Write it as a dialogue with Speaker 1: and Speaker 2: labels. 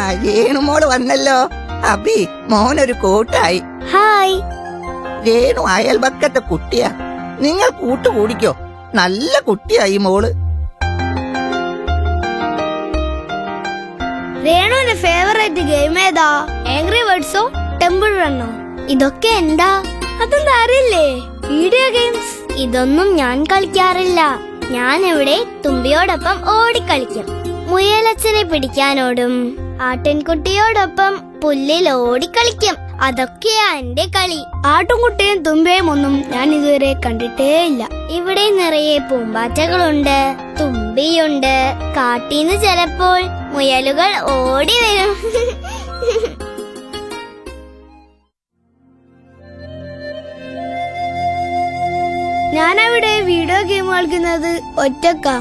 Speaker 1: രേണുമോള് വന്നല്ലോ. അബി മോനൊരു കൂട്ടായി.
Speaker 2: ഹായ്.
Speaker 1: രേണു അയൽപക്കത്തെ കുട്ടിയാ. നിങ്ങൾ കൂട്ടുകൂടിക്കോ. നല്ല കുട്ടിയായി മോള്.
Speaker 2: രേണുവിന്റെ ഫേവറേറ്റ് ഗെയിം ഏതാ? ആംഗ്രി ബേർഡ്സോ ടെമ്പിൾ റണ്ണോ? ഇതൊക്കെ എന്താ? അതെന്താ അറിയില്ലേ? Video games. ഇതൊന്നും ഞാൻ കളിക്കാറില്ല. ഞാൻ ഇവിടെ തുമ്പിയോടൊപ്പം ഓടിക്കളിക്കും. മുയലച്ഛനെ പിടിക്കാനോടും ആട്ടിൻകുട്ടിയോടൊപ്പം പുല്ലിൽ ഓടിക്കളിക്കും. അതൊക്കെയാ എന്റെ കളി. ആട്ടുംകുട്ടിയും തുമ്പിയും ഒന്നും ഞാൻ ഇതുവരെ കണ്ടിട്ടേ ഇല്ല. ഇവിടെ നിറയെ പൂമ്പാറ്റകളുണ്ട്, തുമ്പിയുണ്ട്. കാട്ടീന്ന് ചിലപ്പോൾ മുയലുകൾ ഓടി വരും. ഞാനവിടെ വീഡിയോ ഗെയിം കളിക്കുന്നത് ഒറ്റക്കാ.